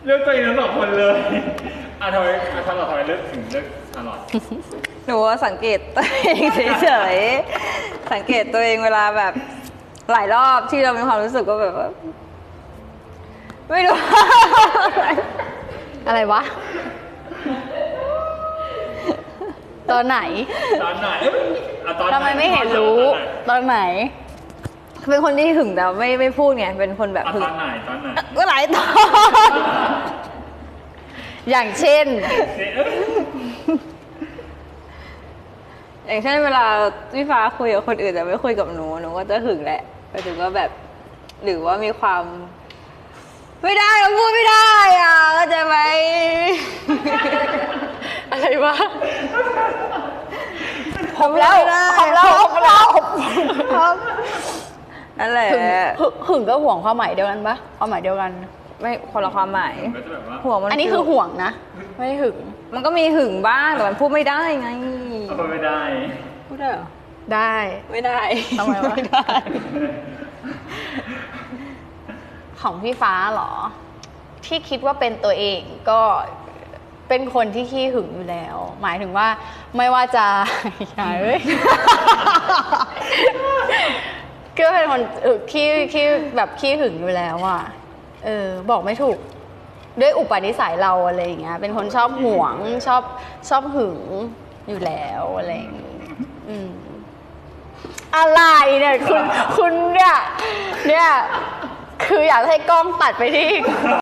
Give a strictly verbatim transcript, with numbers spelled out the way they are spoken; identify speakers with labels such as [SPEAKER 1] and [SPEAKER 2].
[SPEAKER 1] เลือกตัวเองทั้งสองคนเลยอ่ะทำไมอ่ะทำไมทำไมเลือกถึงเลือกชาลอต
[SPEAKER 2] หนูว่าสังเกตตัวเองเฉยๆสังเกตตัวเองเวลาแบบหลายรอบที่เรามีความรู้สึกก็แบบว่าไม่รู้
[SPEAKER 3] อะไรวะตอนไหน
[SPEAKER 1] ตอนไหนอ่ะตอนไหน
[SPEAKER 3] ทำไมไม่เห็นรู้ตอนไหน
[SPEAKER 2] เป็นคนที่หึงแต่ไม่ไม่พูดไงเป็นคนแบบ
[SPEAKER 1] อ่ะ
[SPEAKER 2] หึง
[SPEAKER 1] ตอนไหนตอนไหน
[SPEAKER 2] ก็หลายตอน
[SPEAKER 3] อย่างเช่น
[SPEAKER 2] อย่างเช่นเวลาพี่ฟ้าคุยกับคนอื่นแต่ไม่คุยกับหนูหนูก็จะหึงแหละไปถึงว่าแบบหรือว่ามีความ ไม่ได้เราพูดไม่ได้อ่ะเข้าใจไหม
[SPEAKER 3] อะไรวะ
[SPEAKER 2] หอบแล้วหอบแล้วหอบแล้วนั่นแหละ
[SPEAKER 3] หึงหึงหึงก็ห่วงความหมายเดียวกันปะความหมายเดียวกัน
[SPEAKER 2] ไม่คนละความหมาย
[SPEAKER 1] ก็จะแบบว่า
[SPEAKER 2] ห่วงมัน
[SPEAKER 3] อันนี้คือห่วงนะไม่ได้หึง
[SPEAKER 2] มันก็มีหึงบ้างแต่มันพูดไม่ได้ไง
[SPEAKER 1] เอาไม่ได้
[SPEAKER 2] พูดได้เหรอ
[SPEAKER 3] ได้
[SPEAKER 2] ไม่ได้
[SPEAKER 3] ทำไมวะ
[SPEAKER 2] ไม่ได้
[SPEAKER 3] ของพี่ฟ้าเหรอ ที่คิดว่าเป็นตัวเองก็เป็นคนที่ขี้หึงอยู่แล้ว หมายถึงว่าไม่ว่าจะ อย่าเอ้ย ก็เป็นคนเออขี้ขี้แบบขี้หึงอยู่แล้วอ่ะเออบอกไม่ถูก ด้วยอุปนิสัยเราอะไรอย่างเงี้ยเป็นคนชอบห่วงชอบชอบหึงอยู่แล้วอะไรอย่างงี้อืมอะไรเนี่ยคุณคุณเนี่ยเนี่ยคืออยากให้กล้องตัดไปที่